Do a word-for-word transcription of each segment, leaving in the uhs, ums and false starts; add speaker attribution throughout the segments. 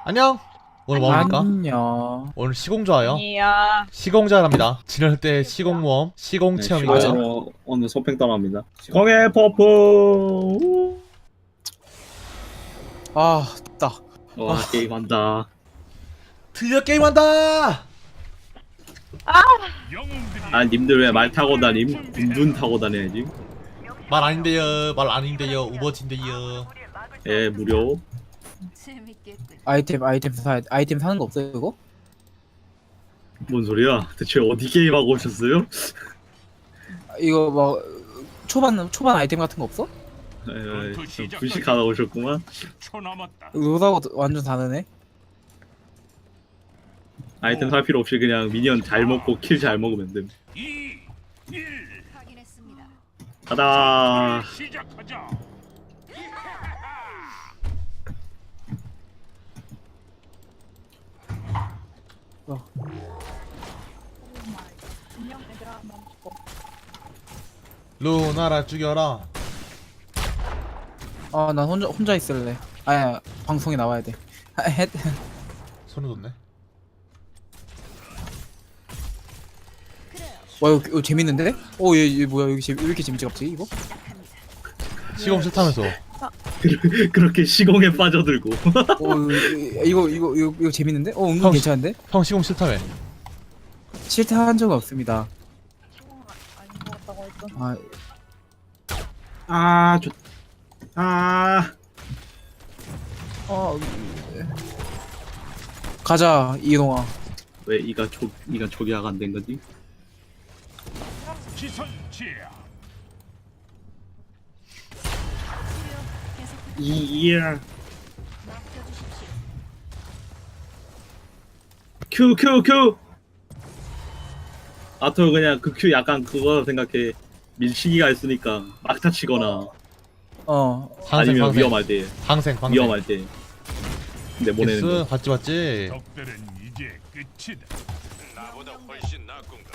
Speaker 1: 안녕. 오늘 뭐합니까?
Speaker 2: 안녕.
Speaker 1: 오늘 시공자예요.
Speaker 3: 아니야.
Speaker 1: 시공자랍니다. 지낼 때 시공 모험, 시공
Speaker 4: 네,
Speaker 1: 체험이고요.
Speaker 4: 시공으로 오늘 소팽 떠납니다. 시공의 퍼프.
Speaker 2: 아, 나.
Speaker 4: 와 게임한다.
Speaker 1: 드디어 게임한다.
Speaker 4: 아 님들 왜 말 타고 다님? 둔둔 타고 다녀야지.
Speaker 1: 말 아닌데요. 말 아닌데요. 우버진데요.
Speaker 4: 예 무료.
Speaker 5: 재밌겠군.
Speaker 2: 아이템 아이템 사 아이템 사는 거 없어요 이거?
Speaker 4: 뭔 소리야? 대체 어디 게임하고 오셨어요?
Speaker 2: 이거 막 초반 초반 아이템 같은 거 없어?
Speaker 4: 에 분식하다 오셨구만.
Speaker 6: 초 남았다.
Speaker 2: 로다고 완전 다르네.
Speaker 4: 아이템 살 필요 없이 그냥 미니언 잘 먹고 킬 잘 먹으면 됨.
Speaker 6: 이, 일,
Speaker 5: 확인했습니다.
Speaker 4: 가다.
Speaker 6: 시작하자.
Speaker 1: 루나라 죽여라.
Speaker 2: 아, 난 혼자 혼자 있을래. 아야, 방송에 나와야 돼. 아, 헷.
Speaker 1: 손을 뒀네.
Speaker 2: 와, 이거, 이거 재밌는데? 오, 얘, 얘 뭐야? 여기 재, 왜 이렇게 재밌지 갑자기 이거?
Speaker 1: 시공 싫다면서.
Speaker 4: 그렇게 시공에 빠져들고.
Speaker 2: 오, 이거 이거 이거 이거 재밌는데? 어, 은근
Speaker 1: 형,
Speaker 2: 괜찮은데?
Speaker 1: 형 시공 싫다며.
Speaker 2: 싫다 한 적은 없습니다.
Speaker 3: 아닌 것 같다고 했던.
Speaker 2: 아,
Speaker 4: 아 좋. 아.
Speaker 2: 어, 가자 이동아.
Speaker 4: 왜 이가 초 이가 초기화가 안 된 거지?
Speaker 6: 시선 제압.
Speaker 4: 이야.
Speaker 5: 맡겨주십시오.
Speaker 4: 큐 큐 큐. 아토 그냥 그 큐 약간 그거 생각해. 밀치기가 있으니까 막타 치거나
Speaker 2: 어,
Speaker 1: 항생
Speaker 4: 아니면
Speaker 1: 항생.
Speaker 4: 위험할 때
Speaker 1: 항생 항생.
Speaker 4: 위험할 때 내보내는
Speaker 1: 예스
Speaker 4: 거.
Speaker 1: 봤지 봤지.
Speaker 6: 적들은 이제 끝이다. 나보다 훨씬 나쁜가.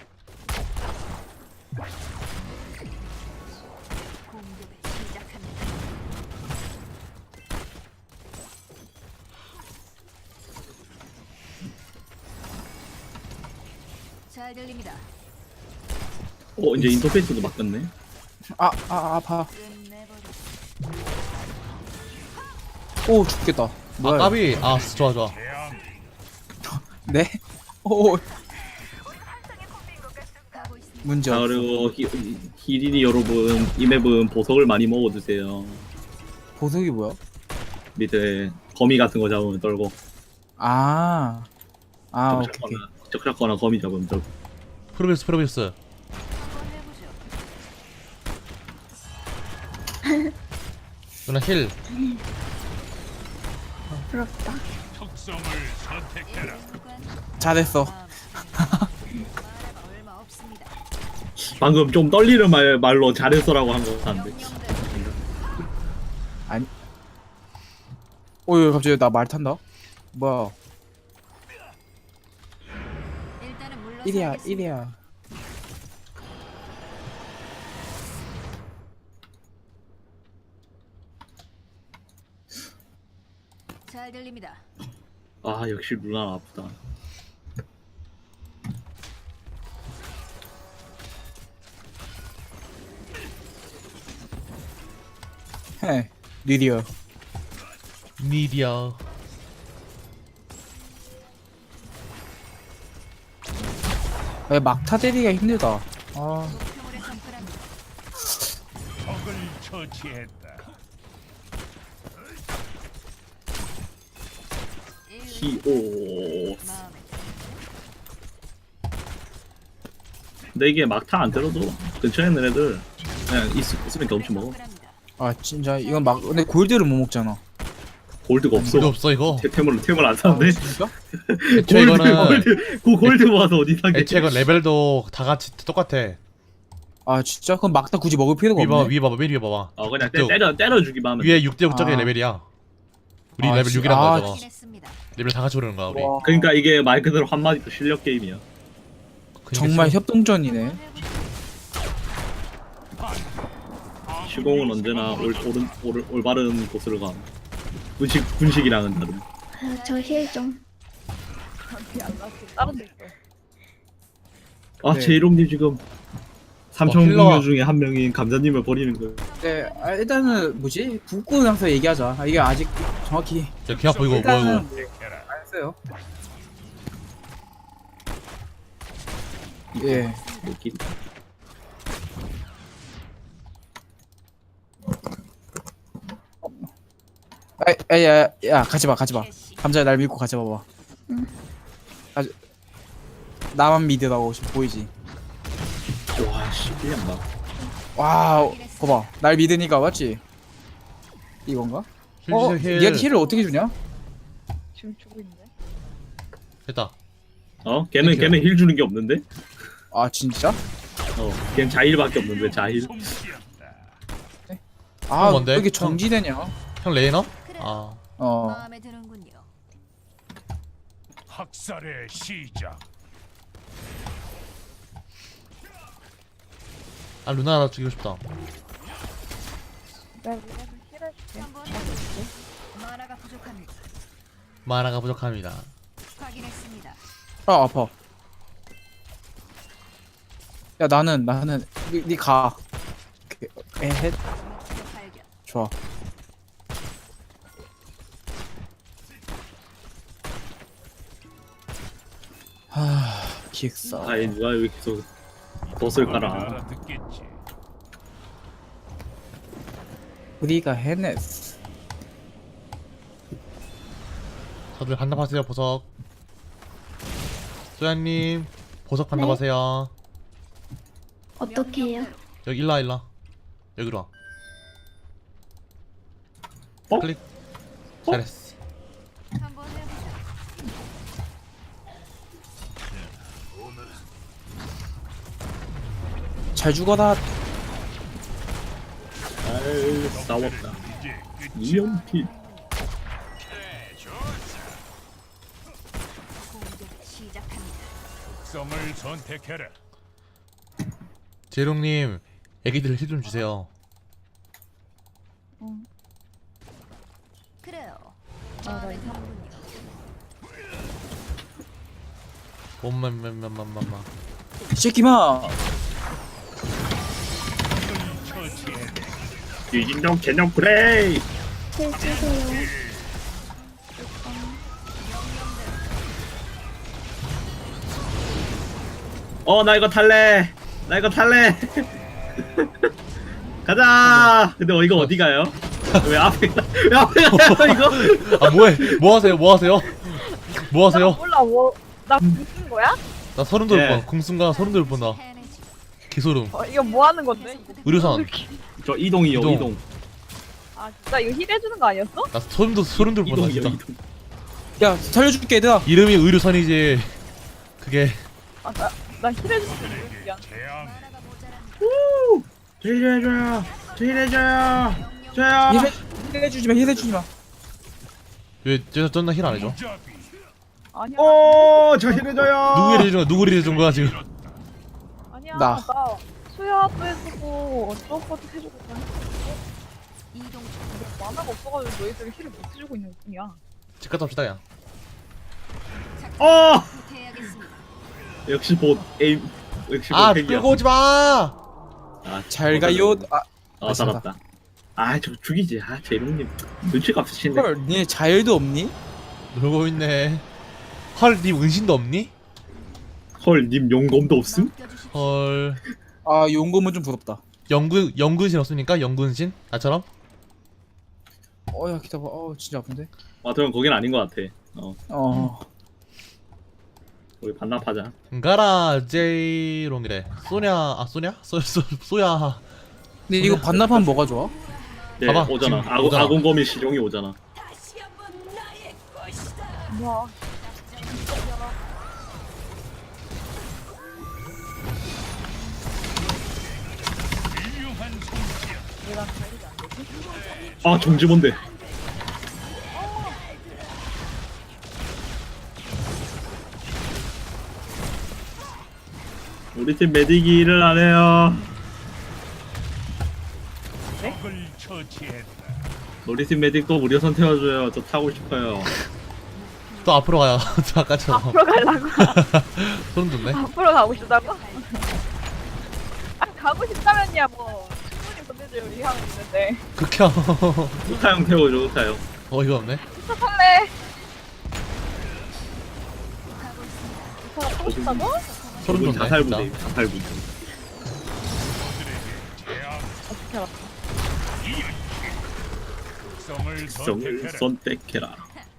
Speaker 5: 공격을 시작합니다. 잘 들립니다.
Speaker 4: 어 이제 인터페이스도 바뀌었네.
Speaker 2: 아, 아, 아파.
Speaker 5: 끝내버려.
Speaker 2: 오, 죽겠다.
Speaker 1: 아
Speaker 2: 뭐야?
Speaker 1: 까비. 아 좋아 좋아.
Speaker 6: 대항.
Speaker 2: 네? 오,
Speaker 5: 가고 있습니다.
Speaker 2: 문제
Speaker 4: 자
Speaker 2: 없어.
Speaker 4: 그리고 히, 히리니 여러분 이 맵은 보석을 많이 먹어주세요.
Speaker 2: 보석이 뭐야?
Speaker 4: 밑에 거미 같은 거 잡으면 떨고
Speaker 2: 아, 아,
Speaker 4: 적
Speaker 2: 오케이, 오케이.
Speaker 4: 잡거나 적 잡거나 거미 잡으면 떨고.
Speaker 1: 프로비스 프로비스.
Speaker 5: 한번 해보죠.
Speaker 1: 누나 힐.
Speaker 3: 부럽다.
Speaker 6: 특성을 선택해라.
Speaker 5: 순간
Speaker 2: 잘했어.
Speaker 5: 마음에 말할 얼마 없습니다.
Speaker 4: 방금 좀 떨리는 말, 말로 잘했어라고 한 거 같은데.
Speaker 5: 명령대로
Speaker 2: 아니. 오, 야, 갑자기 나 말 탄다. 뭐야?
Speaker 5: 일단은 물러서
Speaker 2: 일이야,
Speaker 5: 하겠습니다.
Speaker 2: 일이야.
Speaker 5: 잘 들립니다.
Speaker 4: 아 역시 누나 아프다.
Speaker 2: 헤, 리디어.
Speaker 1: 미디어.
Speaker 2: 왜 막타 때리기가 힘들다. 아,
Speaker 5: 목표물에 접근합니다.
Speaker 6: 적을 처치했다.
Speaker 5: 일,
Speaker 4: 히오.
Speaker 5: 마음에
Speaker 4: 근데 이게 막타 안 때려도 근처에 있는 애들 그냥 있, 있으면 경치 먹어.
Speaker 5: 접근합니다.
Speaker 2: 아 진짜 이건 막 근데 골드를 못 먹잖아.
Speaker 4: 골드가 없어.
Speaker 1: 필요 없어 이거.
Speaker 4: 태- 템을 템을 안 사는데.
Speaker 2: 진짜?
Speaker 1: 애초에
Speaker 4: 골드
Speaker 1: 이거는
Speaker 4: 골드 그 골드 모아서 어디 사게?
Speaker 1: 애초에 이건 레벨도 다 같이 똑같아.
Speaker 2: 아 진짜? 그럼 막타 굳이 먹을 필요가
Speaker 1: 위 봐봐
Speaker 2: 없네.
Speaker 1: 위 봐봐 맨 위에 봐봐.
Speaker 4: 어 그냥 때,
Speaker 1: 또
Speaker 4: 때려 때려 주기만 하면.
Speaker 1: 위에 육 대 육 적의
Speaker 2: 아.
Speaker 1: 레벨이야. 우리
Speaker 2: 아,
Speaker 1: 레벨
Speaker 2: 지-
Speaker 1: 육이란
Speaker 2: 아,
Speaker 1: 거야 저거.
Speaker 5: 확인했습니다.
Speaker 1: 레벨 다 같이 오르는 거야 우리.
Speaker 2: 와,
Speaker 4: 그러니까 이게 말 그대로 한마디 실력 게임이야.
Speaker 1: 그러니까
Speaker 2: 정말
Speaker 1: 지금
Speaker 2: 협동전이네.
Speaker 4: 시공은 언제나 올, 옳은, 올, 올바른 곳으로 가. 분식 분식이랑은 다른.
Speaker 3: 아, 저 힐 좀. 안 났어. 다른 데 있어.
Speaker 4: 아
Speaker 2: 네.
Speaker 4: 제이롱님 지금 삼천
Speaker 1: 어, 힐러가-
Speaker 4: 공유 중에 한 명인 감자님을 버리는 거예요.
Speaker 2: 네, 아, 일단은 뭐지? 붙고 나서 얘기하자. 아, 이게 아직 정확히
Speaker 1: 야, 개 아파 이거 뭐야
Speaker 2: 일단은
Speaker 1: 이거.
Speaker 6: 해라.
Speaker 2: 안 했어요. 예.
Speaker 4: 느낌.
Speaker 2: 아, 아, 야, 야, 가지 마, 가지 마. 감자야, 날 믿고 가지 봐봐.
Speaker 3: 응.
Speaker 2: 아주 나만 믿으라고 지금 보이지?
Speaker 4: 와 신기한 나.
Speaker 2: 와, 봐봐, 날 믿으니까 맞지? 이건가? 어,
Speaker 1: 힐, 힐,
Speaker 2: 얘한테 힐을 어떻게 주냐?
Speaker 3: 지금 주고 있는데.
Speaker 1: 됐다.
Speaker 4: 어? 걔는
Speaker 1: 이렇게요.
Speaker 4: 걔는 힐 주는 게 없는데?
Speaker 2: 아, 진짜?
Speaker 4: 어. 걔는 자힐밖에 없는데 자힐.
Speaker 6: 손기한다.
Speaker 2: 아,
Speaker 1: 뭔데?
Speaker 2: 왜 이렇게 정지되냐?
Speaker 1: 형 레이너?
Speaker 5: 그래.
Speaker 1: 아
Speaker 2: 어,
Speaker 5: 마음에 드는군요.
Speaker 6: 학살의 시작.
Speaker 1: 아 루나 나 죽이고 싶다.
Speaker 3: 내가 미래서 힐을 줄게.
Speaker 5: 한번 만화가 부족합니다.
Speaker 1: 마나가 부족합니다.
Speaker 5: 확인했습니다.
Speaker 2: 아, 아파. 야, 나는 나는 니, 니 가. 그, 에헷,
Speaker 5: 목표 발견.
Speaker 2: 좋아. 하, 기획사.
Speaker 4: 아이 누가 여기 계속 덫을 깔아.
Speaker 6: 알아듣겠지.
Speaker 2: 우리가 해냈어.
Speaker 1: 다들 반납하세요 보석. 소야님 보석 반납하세요.
Speaker 3: 어떻게 해요?
Speaker 1: 여기 일라 일라 여기로 와.
Speaker 4: 어?
Speaker 1: 클릭. 잘했어.
Speaker 5: 한번 해보자.
Speaker 2: 잘 죽어라.
Speaker 4: 아이 싸웠다.
Speaker 6: 이제 끝이.
Speaker 4: 이연필.
Speaker 5: 공격 시작합니다.
Speaker 6: 특성을 선택해라.
Speaker 1: 제롱님 애기들 힐 좀 주세요.
Speaker 5: 그래요.
Speaker 3: 아, 나
Speaker 5: 마음에
Speaker 3: 이거
Speaker 5: 드는군요.
Speaker 1: 엄마맘맘맘맘마.
Speaker 2: 이 새끼마.
Speaker 6: 처치해라.
Speaker 4: 유진동 개념 그레이.
Speaker 3: 힐 주세요.
Speaker 4: 어 나 이거 탈래. 나 이거 탈래. 가자. 근데 어 이거 어디 가요? 왜 앞에 가- 왜 앞에 가요 이거?
Speaker 1: 아 뭐해? 뭐 하세요? 뭐 하세요? 뭐
Speaker 3: 나
Speaker 1: 하세요?
Speaker 3: 몰라 뭐. 나 무슨 거야?
Speaker 1: 나 소름 돋을
Speaker 4: 예.
Speaker 1: 뻔. 궁순간 소름 돋을 뻔 나.
Speaker 5: 해내지.
Speaker 1: 개소름.
Speaker 3: 어, 이거 뭐 하는 건데?
Speaker 1: 의료선.
Speaker 4: 저 이동이요
Speaker 1: 이동.
Speaker 4: 이동.
Speaker 3: 아 진짜 이거 힐 해주는 거 아니었어?
Speaker 1: 나 소름 돋 소름 돋을 뻔 나
Speaker 4: 이동이요
Speaker 1: 진짜.
Speaker 4: 이동.
Speaker 2: 야, 살려줄게 얘들아.
Speaker 1: 이름이 의료선이지. 그게
Speaker 3: 아나나 힐 해주는 거 미안.
Speaker 6: 재앙.
Speaker 5: 만화가 모자랍니다.
Speaker 4: 힐해줘요. 힐해줘요. 저요.
Speaker 2: 힐 해주지 마, 힐 해주지 마.
Speaker 1: 왜 저 전나 힐 안 해줘?
Speaker 6: 무자비.
Speaker 3: 아니야.
Speaker 4: 오, 저 힐해줘요.
Speaker 1: 누구 힐 해준 거야? 누구 힐 해준 거야 지금?
Speaker 3: 아니야.
Speaker 2: 나.
Speaker 3: 나 수야도 해주고 어쩌고도 해주고 그냥
Speaker 5: 이동 중.
Speaker 3: 만화가 없어가지고 너희들이 힐을 못 해주고 있는 뿐이야.
Speaker 1: 집 갔다 옵시다 야.
Speaker 4: 어,
Speaker 5: 후퇴해야겠습니다.
Speaker 4: 역시 봇 에임. 역시
Speaker 1: 아
Speaker 4: 봇 핵이야.
Speaker 1: 끌고 오지 마.
Speaker 4: 아,
Speaker 2: 잘 가요. 아,
Speaker 4: 아, 살았다. 아, 저 죽이지. 아, 제롱님 눈치가 없으신데.
Speaker 2: 헐, 니네 자일도 없니?
Speaker 1: 놀고 있네. 헐, 님 은신도 없니?
Speaker 4: 헐, 님 용검도 없음?
Speaker 5: 맡겨주십시오.
Speaker 1: 헐.
Speaker 2: 아, 용검은 좀 부럽다.
Speaker 1: 영군 영군신 없습니까? 영군신? 나처럼?
Speaker 2: 어, 야, 기다봐. 어, 진짜 아픈데.
Speaker 4: 아, 그럼 거긴 아닌 것 같아. 어,
Speaker 2: 어,
Speaker 4: 우리 반납하자.
Speaker 1: 가라 제이롱이래. 소냐 아 소냐? 소, 소 소야.
Speaker 2: 근데 이거 반납하면 뭐가 좋아?
Speaker 4: 네,
Speaker 1: 봐봐,
Speaker 4: 오잖아.
Speaker 1: 지금
Speaker 4: 아군
Speaker 1: 오잖아.
Speaker 4: 아군검이 실용이 오잖아.
Speaker 3: 뭐야?
Speaker 6: 훌륭한 손기야.
Speaker 3: 얘랑 관리가 안 되지?
Speaker 4: 아, 정지 뭔데? 우리 팀 메딕이 일을 안 해요.
Speaker 6: 적을 처치했다.
Speaker 4: 우리 팀 메딕 또 무료선 태워줘요. 저 타고 싶어요.
Speaker 1: 또 앞으로 가요. 또 아까처럼.
Speaker 3: 앞으로 가려고.
Speaker 1: 소름 돋네.
Speaker 3: 앞으로 가고 싶다고? 아, 가고 싶다면야 뭐 충분히 보내줄 의향은 있는데.
Speaker 1: 극혐.
Speaker 4: 우타형 태워줘 우타형.
Speaker 1: 어이가 없네.
Speaker 3: 할래.
Speaker 5: 가고 있습니다.
Speaker 3: 이거 하고 싶다고?
Speaker 1: 소름
Speaker 4: 이건
Speaker 1: 돋네.
Speaker 4: 자살부대
Speaker 1: 진짜.
Speaker 4: 자살부대.
Speaker 6: 제압
Speaker 3: 어떻게 알았어?
Speaker 6: 성을
Speaker 4: 성을
Speaker 6: 선택해라.
Speaker 4: 선택해라.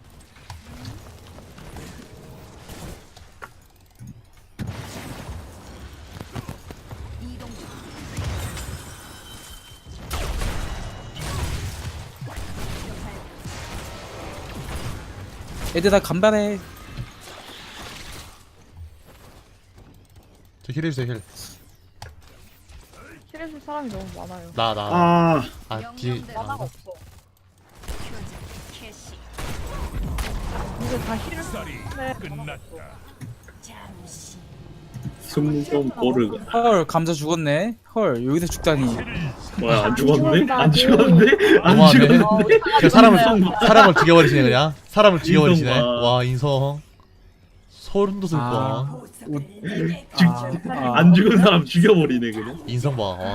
Speaker 5: 이동 중.
Speaker 2: 애들 다 간발해.
Speaker 1: 저 힐해주세요 힐.
Speaker 3: 실해줄 사람이 너무 많아요.
Speaker 1: 나 나.
Speaker 4: 아
Speaker 1: 아 뒤에.
Speaker 3: 만화가
Speaker 1: 아,
Speaker 3: 없어.
Speaker 5: 교전 캐시.
Speaker 3: 이제 다 힐을
Speaker 6: 쌀이
Speaker 3: 네.
Speaker 6: 끝났다.
Speaker 5: 잠시.
Speaker 4: 승무원 보르가.
Speaker 2: 헐 감자 죽었네. 헐 여기서 죽다니.
Speaker 4: 뭐야 안 죽었네?
Speaker 3: 죽었다.
Speaker 4: 안 죽었네? 안
Speaker 1: 너무하네.
Speaker 4: 죽었네?
Speaker 3: 어,
Speaker 1: 저 사람을
Speaker 3: 죽었네.
Speaker 1: 사람을 죽여버리시네 그냥. 사람을 죽여버리시네.
Speaker 4: 인성 봐.
Speaker 1: 와 인성. 소름 돋을
Speaker 2: 아.
Speaker 1: 뻔.
Speaker 2: 아,
Speaker 4: 안 죽은 사람 죽여버리네 그냥.
Speaker 1: 인성 봐. 와.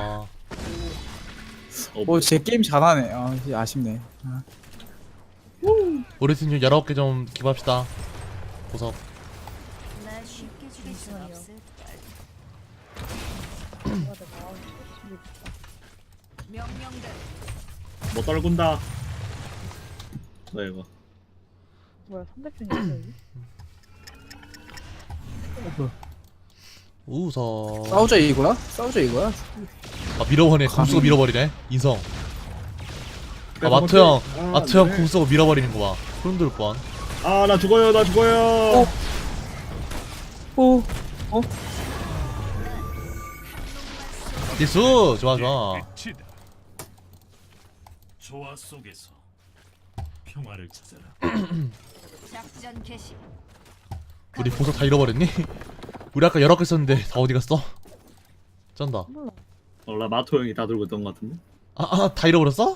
Speaker 4: 어,
Speaker 2: 어제 게임 잘하네. 아 이제 아쉽네. 아.
Speaker 1: 우리 팀 좀 열아홉 개 좀 기부합시다. 보석.
Speaker 5: 날 쉽게 죽일 순 없을 걸. 명령대로.
Speaker 4: 뭐 떨군다. 나 이거.
Speaker 3: 뭐야 상대편이 있어 여기?
Speaker 1: 우서.
Speaker 2: 싸우자 이거야? 싸우자 이거야?
Speaker 1: 아 밀어버리네. 공 쓰고
Speaker 2: 감히.
Speaker 1: 밀어버리네. 인성. 아 마트 형.
Speaker 4: 아,
Speaker 1: 마트 형
Speaker 4: 네.
Speaker 1: 공 쓰고 밀어버리는 거 봐. 소름 돋을 뻔.
Speaker 4: 아 나 죽어요 나 죽어요.
Speaker 2: 오. 어?
Speaker 1: 기수 좋아 좋아.
Speaker 6: 끝이다. 조화 속에서 평화를 찾아라.
Speaker 5: 작전 개시.
Speaker 1: 우리 보석 다 잃어버렸니? 우리 아까 열아홉 개 썼는데 다 어디 갔어? 쩐다.
Speaker 4: 어나 마토 형이 다 들고 있던 것 같은데.
Speaker 1: 아다 잃어버렸어?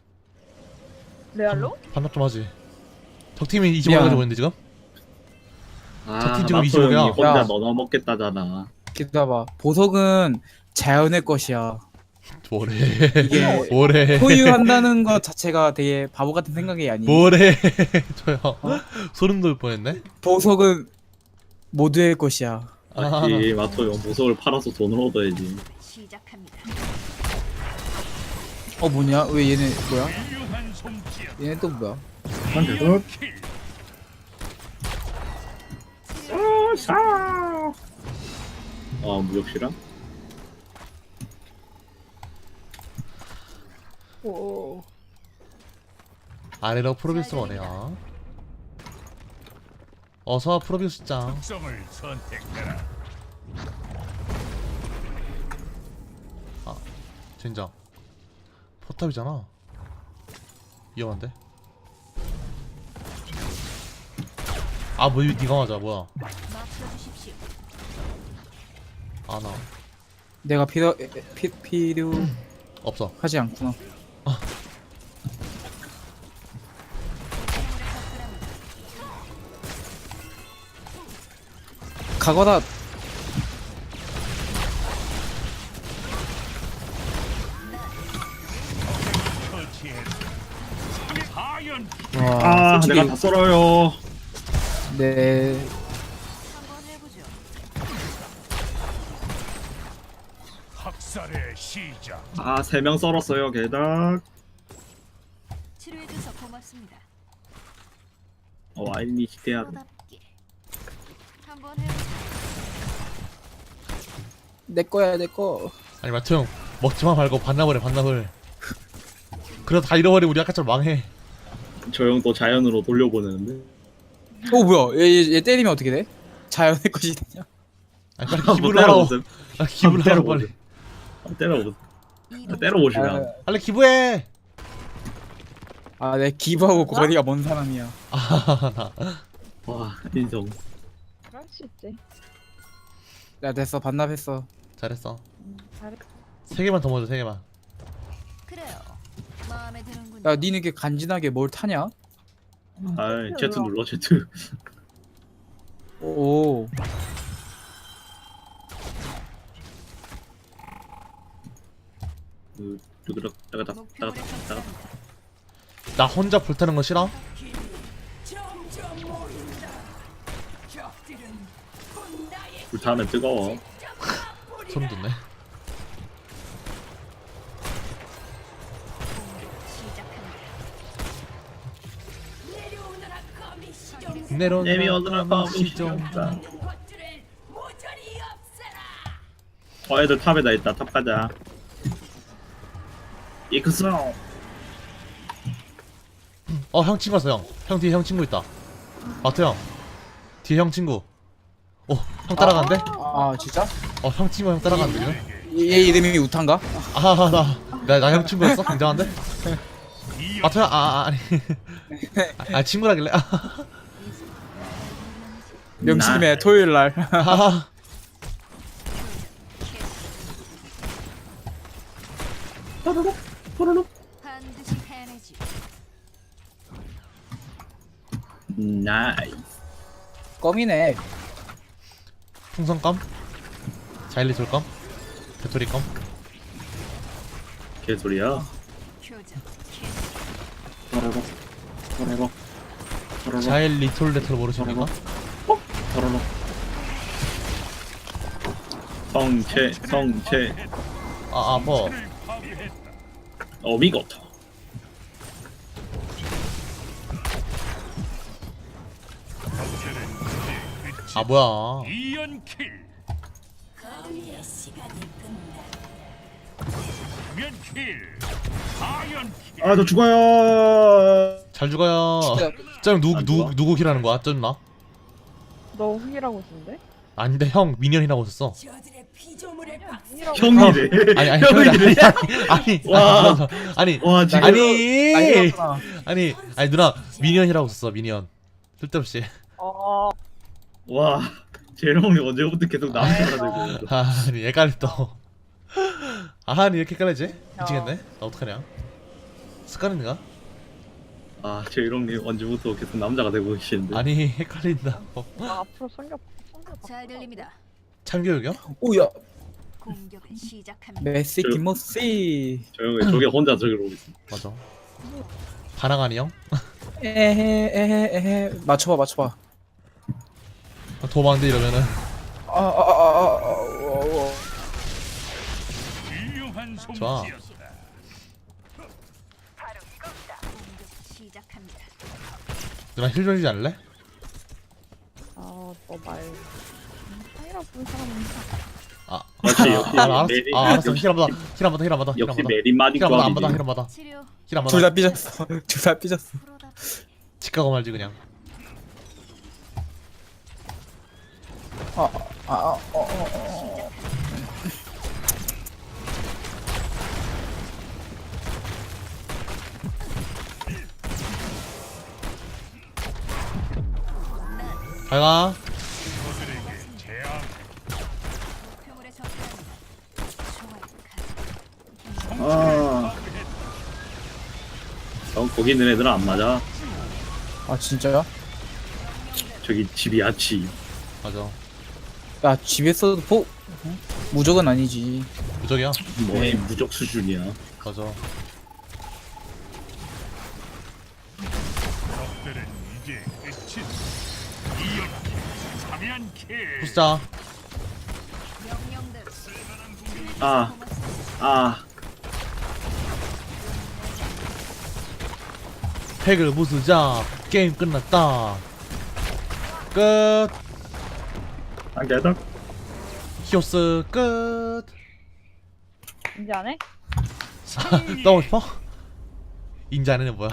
Speaker 3: 레알로?
Speaker 1: 반납 좀 하지. 적 팀이 이십오
Speaker 2: 야.
Speaker 1: 가지고 있는데 지금?
Speaker 4: 아
Speaker 1: 저팀 지금
Speaker 4: 마토
Speaker 1: 이십오 개야.
Speaker 4: 형이 혼자
Speaker 2: 야.
Speaker 4: 넣어 먹겠다잖아.
Speaker 2: 기다봐. 보석은 자연의 것이야.
Speaker 1: 뭐래?
Speaker 2: 이게
Speaker 1: 뭐래?
Speaker 2: 소유한다는 것 자체가 되게 바보 같은 생각이 아니.
Speaker 1: 뭐래? 저요. 소름 돋을 뻔했네.
Speaker 2: 보석은 모두의 것이야.
Speaker 1: 아,
Speaker 4: 맞지 마토 형 보석을 팔아서 돈을 얻어야지.
Speaker 5: 시작합니다.
Speaker 2: 어 뭐냐? 왜 얘네 뭐야?
Speaker 6: 유한 솜씨야.
Speaker 2: 얘네 또 뭐야?
Speaker 4: 난 계속
Speaker 6: 킬.
Speaker 4: 아 무역실험?
Speaker 3: 오.
Speaker 1: 아래로 프로비우스 원해요. 어서 프로비우스 짱.
Speaker 6: 특성을 선택해라.
Speaker 1: 젠장. 포탑이잖아. 위험한데? 아, 뭐, 이거 니가 맞아, 뭐야.
Speaker 5: 맞춰주십시오.
Speaker 1: 아, 나.
Speaker 2: 내가 필요 에, 에, 피, 필요하지
Speaker 1: 없어.
Speaker 2: 않구나. 가거라.
Speaker 6: 처치했다. 하연
Speaker 2: 와,
Speaker 4: 아
Speaker 2: 솔직히
Speaker 4: 내가 다 썰어요.
Speaker 2: 네
Speaker 5: 한번 해보죠.
Speaker 6: 학살의 시작.
Speaker 4: 아 세 명 썰었어요 게닥.
Speaker 5: 치료해줘서 고맙습니다.
Speaker 4: 어 와인이 기대야 돼.
Speaker 5: 프로답게. 한번 해보죠.
Speaker 2: 내 거야 내 거.
Speaker 1: 아니, 마트 형. 먹지마 말고 반납을 해, 반납을. 그래도 다 잃어버리면 우리 아까처럼 망해.
Speaker 4: 저 형 또 자연으로 돌려보내는데.
Speaker 2: 어 뭐야? 얘, 얘, 얘 때리면 어떻게 돼? 자연의 것이 되냐?
Speaker 1: 아니, 빨리
Speaker 4: 한번
Speaker 1: 기부를 하라고.
Speaker 4: 때려보세요.
Speaker 1: 아, 기부를 하라고,
Speaker 4: 때려보세요.
Speaker 1: 빨리.
Speaker 4: 한번 때려보세요.
Speaker 5: 이동.
Speaker 4: 때려보시면.
Speaker 1: 빨리 기부해!
Speaker 2: 아, 내 기부하고 거리가 먼 사람이야.
Speaker 1: 아, 나.
Speaker 4: 와 인성.
Speaker 3: 그럴 수 있지.
Speaker 2: 야 됐어 반납했어.
Speaker 1: 잘했어.
Speaker 3: 음, 잘했어.
Speaker 1: 세 개만 더 먹어줘, 세 개만.
Speaker 5: 그래요. 마음에 드는군요.
Speaker 2: 야 니는 이렇게 간지나게 뭘 타냐?
Speaker 4: 아이 Z 눌러 Z.
Speaker 2: 오.
Speaker 4: 뚜드럭 따가닥
Speaker 5: 목표물에
Speaker 4: 따가닥 따가닥.
Speaker 5: 접근합니다.
Speaker 1: 나 혼자 불타는 거 싫어?
Speaker 4: 불타면 뜨거워.
Speaker 1: 소름 돋네.
Speaker 5: 시작합니다.
Speaker 1: 내려오느라
Speaker 4: 내려오느라
Speaker 1: 시정.
Speaker 4: 시정. 어 애들 탑에다 있다. 탑 가자. 익스.
Speaker 1: 어, 형 친구 왔어, 형. 형 뒤에 형 친구 있다. 마트 형. 뒤에 형 친구. 어, 형 따라간대?
Speaker 2: 아 진짜?
Speaker 1: 어, 형 친구 형 따라간대, 지금?
Speaker 2: 얘 이름이 우탄가?
Speaker 1: 아, 나, 나, 나 형 친구였어? 굉장한데? 마트 형, 아, 아, 아니. 아, 아, 친구라길래. 아,
Speaker 2: 명심해 토요일 날.
Speaker 1: 아.
Speaker 5: 반드시 해내지.
Speaker 4: 나이스.
Speaker 2: 껌이네.
Speaker 1: 풍선껌? 자일리솔껌? 배토리껌?
Speaker 4: 개소리야.
Speaker 5: 교전.
Speaker 4: 도로록 도로록 도로록
Speaker 1: 자일 리톨 레톨 모르십니까?
Speaker 4: 도로록. 성체 성체
Speaker 1: 아, 아파.
Speaker 4: 어미고토.
Speaker 1: 아, 뭐야.
Speaker 6: 이연킬. 면킬. 사연킬.
Speaker 4: 아 저 죽어요.
Speaker 1: 잘 죽어요. 짱 누구,
Speaker 4: 안
Speaker 1: 누구,
Speaker 4: 죽어?
Speaker 1: 누구 킬하는 거야? 쩐나?
Speaker 3: 너 후기라고 있는데?
Speaker 1: 아닌데, 형, 미니언이라고 했었어.
Speaker 3: 후기라고
Speaker 4: 형이래.
Speaker 1: 아니, 아니, 형이
Speaker 4: 형이래.
Speaker 1: 아니, 아니,
Speaker 4: 와.
Speaker 1: 아니, 아니,
Speaker 4: 와 지금
Speaker 1: 아니,
Speaker 2: 아니었구나.
Speaker 1: 아니, 아니, 누나, 미니언이라고 썼어, 미니언. 쓸데없이.
Speaker 3: 어
Speaker 4: 와 제롱이 언제부터 계속 나한테 말하고.
Speaker 1: 아, 아니, 헷갈려, 또. 아, 아니, 이렇게 헷갈리지? 미치겠네? 나 어떡하냐? 습관인가?
Speaker 4: 아 제롱님 언제부터 계속 남자가 되고 계시는데.
Speaker 1: 아니, 헷갈린다. 어,
Speaker 3: 나 앞으로 성격 성격
Speaker 5: 잘 들립니다.
Speaker 1: 참교육이요?
Speaker 2: 오야.
Speaker 5: 공격을 시작합니다.
Speaker 2: 메시
Speaker 4: 저-
Speaker 2: 김모씨.
Speaker 4: 저 형이 저게 혼자 저기로 오고 있어.
Speaker 1: 맞아. 반항하니 형?
Speaker 2: 에헤 에헤 에헤. 맞춰봐 맞춰봐.
Speaker 1: 도망대 이러면은.
Speaker 2: 아아아아.
Speaker 6: 훌륭한
Speaker 1: 좋아.
Speaker 6: 솜씨였다.
Speaker 5: 공격 시작합니다.
Speaker 1: 누나 힐 좀 주지 않을래?
Speaker 3: 아너말 상이라고 부른 사람은
Speaker 1: 아,
Speaker 4: 역시 역시
Speaker 1: 아, 알았어.
Speaker 4: 메리.
Speaker 1: 아, 알았어.
Speaker 4: 역시,
Speaker 1: 힐 한 번 더. 힐 한 번 더. 힐 한 번 더. 힐 한
Speaker 4: 역시
Speaker 1: 번 더.
Speaker 4: 메리 마디
Speaker 1: 힐 한 번 더. 안 받아. 힐
Speaker 4: 조합이지.
Speaker 1: 한 번 더.
Speaker 5: 치료
Speaker 1: 힐 한 번
Speaker 2: 둘
Speaker 1: 더.
Speaker 2: 다 삐졌어. 둘 다 삐졌어.
Speaker 5: 프로다.
Speaker 1: 집 가고 말지 그냥.
Speaker 2: 아아아 어, 어, 어.
Speaker 1: 잘 가.
Speaker 6: 저들에게 재앙.
Speaker 5: 목표물에 접근합니다. 좋아요.
Speaker 4: 아. 형 거기 있는 애들은 안 맞아.
Speaker 2: 아 진짜야?
Speaker 4: 저기 집이야 집.
Speaker 1: 맞아.
Speaker 2: 야 집에서도 포 어? 무적은 아니지.
Speaker 1: 무적이야.
Speaker 4: 뭐
Speaker 2: 네.
Speaker 4: 무적 수준이야.
Speaker 1: 맞아.
Speaker 6: 적들은 이제 끝이다. 이연킬. 삼연킬.
Speaker 1: 부스자.
Speaker 5: 명령대로.
Speaker 4: 아. 아.
Speaker 1: 팩을 부수자. 게임 끝났다. 끝.
Speaker 4: 한 개더.
Speaker 1: 히오스 끝.
Speaker 3: 이제 안 해?
Speaker 1: 떠고 싶어? 인지 안 해는 뭐야?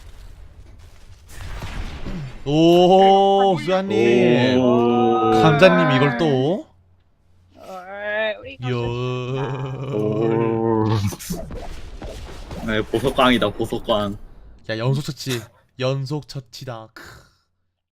Speaker 1: 오, 수아님.
Speaker 4: 오.
Speaker 1: 감자님 이걸 또?
Speaker 3: 어이, 우리
Speaker 1: 이야.
Speaker 4: 오. 네 보석광이다 보석광.
Speaker 1: 야, 연속 처치. 연속 처치다. 크.